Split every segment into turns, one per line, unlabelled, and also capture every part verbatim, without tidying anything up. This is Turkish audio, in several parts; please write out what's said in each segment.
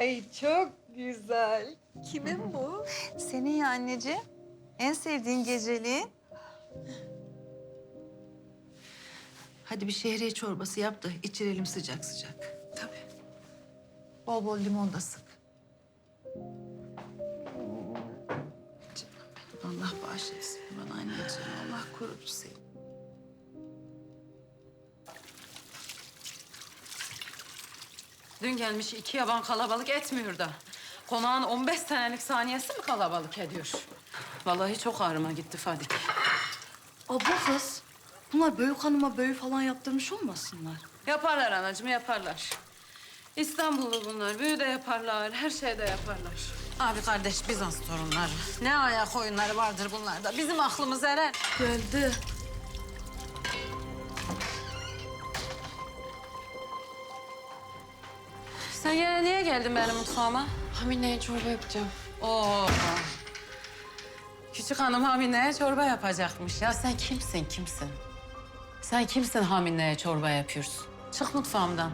Ay çok güzel. Kimin bu?
Senin ya anneciğim. En sevdiğin geceliğin. Hadi bir şehriye çorbası yap da içirelim sıcak sıcak.
Tabii.
Bol bol limon da sık. Canım benim, Allah bağışlasın bana anneciğim. Allah korusun seni.
Dün gelmiş iki yaban kalabalık etmiyor da. Konağın on beş senelik saniyesi mi kalabalık ediyor? Vallahi çok ağrıma gitti Fadik.
Abla kız, bunlar Büyük Hanım'a büyü falan yaptırmış olmasınlar?
Yaparlar anacığım, yaparlar. İstanbullu bunlar. Büyü de yaparlar, her şey de yaparlar.
Abi kardeş Bizans torunları. Ne ayak oyunları vardır bunlarda. Bizim aklımız erer.
Geldi.
Sen yine niye geldin benim mutfağıma?
Hamile'ye çorba yapacağım.
Oo. Küçük hanım Hamine'ye çorba yapacakmış. Ya sen kimsin, kimsin? Sen kimsin Hamine'ye çorba yapıyorsun? Çık mutfağımdan.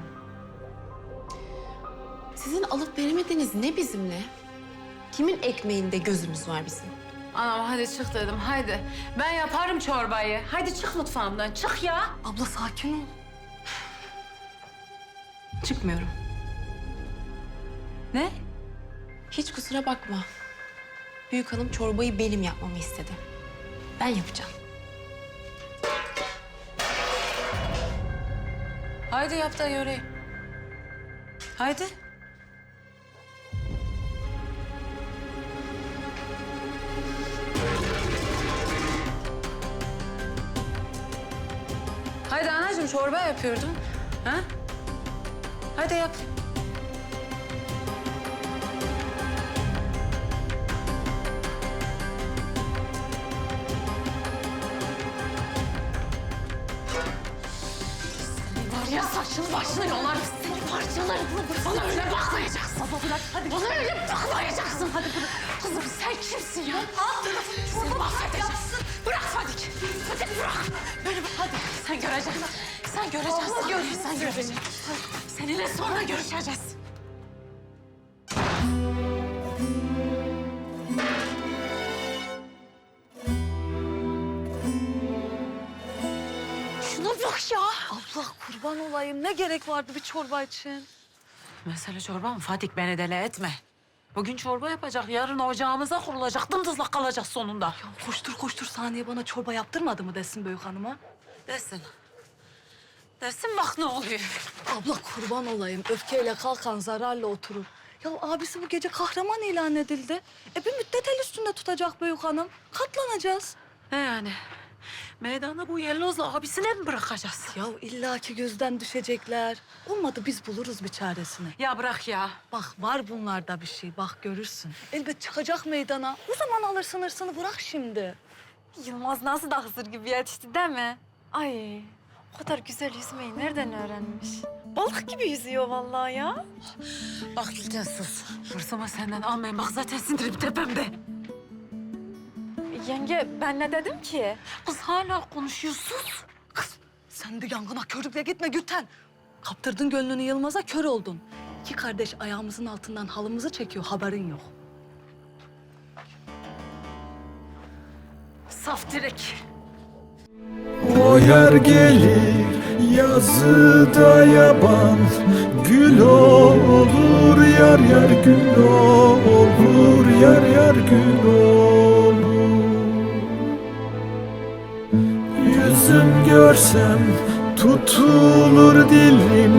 Sizin alıp veremediğiniz ne bizimle? Kimin ekmeğinde gözümüz var bizim?
Anam hadi çık dedim, haydi. Ben yaparım çorbayı. Hadi çık mutfağımdan, çık ya.
Abla sakin ol. Çıkmıyorum.
Ne?
Hiç kusura bakma. Büyük hanım çorbayı benim yapmamı istedi. Ben yapacağım.
Haydi yap da göreyim. Haydi. Haydi anacığım çorba yapıyordun. Ha? Haydi yap.
Var ya saçını başını yolarım. Seni parçalarım. Bana öyle bakmayacaksın. Baba bırak hadi. Bana öyle bakmayacaksın. Hadi bırak. Kızım sen kimsin ya? Alt tarafını seni mahvedeceğim. Bırak Fadik. Fadik bırak. Beni bırak. Hadi sen göreceksin. Sen göreceksin.
Allah gözünü
Sen göreceksin. Seninle sonra görüşeceğiz. Şuna bak ya.
Abla kurban olayım. Ne gerek vardı bir çorba için?
Mesele çorba mı? Fatih beni deli etme. Bugün çorba yapacak, yarın ocağımıza kurulacak. Dımdızlak kalacak sonunda.
Ya koştur koştur Saniye bana çorba yaptırmadı mı desin Büyük Hanım'a?
Desin. Desin bak ne oluyor.
Abla kurban olayım. Öfkeyle kalkan zararla oturur. Ya abisi bu gece kahraman ilan edildi. E bir müddet el üstünde tutacak Büyük Hanım. Katlanacağız.
Ne yani? Meydana bu yellozla abisine mi bırakacağız?
Ya illaki gözden düşecekler. Olmadı biz buluruz bir çaresini.
Ya bırak ya.
Bak var bunlarda bir şey. Bak görürsün. Elbet çıkacak meydana. O zaman alırsın hırsını bırak şimdi.
Yılmaz nasıl da Hızır gibi yetişti değil mi? Ay o kadar güzel yüzmeyi nereden öğrenmiş? Balık gibi yüzüyor vallahi ya.
Bak Gülten sus. Hırsımı senden almayın. Bak zaten sindirim tepemde.
Yenge ben ne dedim ki?
Kız hala konuşuyor. Sus.
Kız sen de yangına körükle gitme Gülten. Kaptırdın gönlünü Yılmaz'a kör oldun. İki kardeş ayağımızın altından halımızı çekiyor haberin yok.
Saf direk.
O yer gelir yazıda yaban, gül olur yar yar gül olur yar yar gül olur. Yüzüm görsem tutulur dilim.